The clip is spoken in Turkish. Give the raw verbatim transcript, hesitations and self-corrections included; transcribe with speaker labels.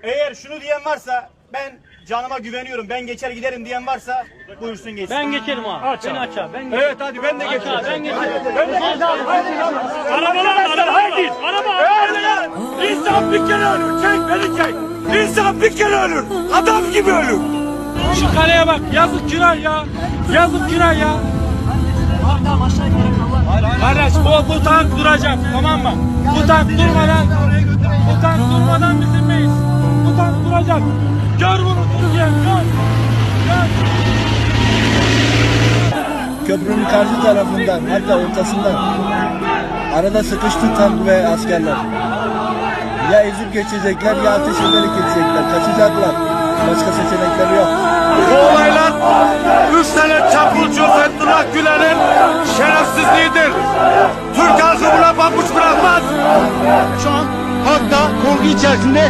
Speaker 1: Eğer şunu diyen varsa ben canıma güveniyorum, ben geçer giderim diyen varsa buyursun geçsin.
Speaker 2: Ben geçerim abi.
Speaker 3: Aç
Speaker 2: Beni
Speaker 3: abi.
Speaker 2: aç abi. Ben geçerim.
Speaker 1: Evet hadi ben de
Speaker 2: Aç
Speaker 1: geçerim.
Speaker 2: abi, ben geçerim.
Speaker 3: Ben de Arabalar araba haydi. Araba. İnsan bir kere ölür. Çek beni çek. İnsan bir kere ölür. Adam gibi ölür. Şu kaleye bak. Yazık günah ya. Yazık günah ya. Kardeş bu, bu tank duracak, tamam mı? Bu tank durmadan, bu tank durmadan biz inmeyiz. Bu tank duracak. Gör bunu Türkiye, gör. Gör.
Speaker 4: Köprünün karşı tarafından, hatta ortasından arada sıkıştı tank ve askerler. Ya ezip geçecekler ya ateş ederek geçecekler. Kaçacaklar. Başka seçenekleri yok.
Speaker 3: Bu olaylar üç tane çapulcu Fethullah Gülen'in şerefsizliğidir. Türk halkı buna pabuç bırakmaz.
Speaker 4: Şu an halk da korku içerisinde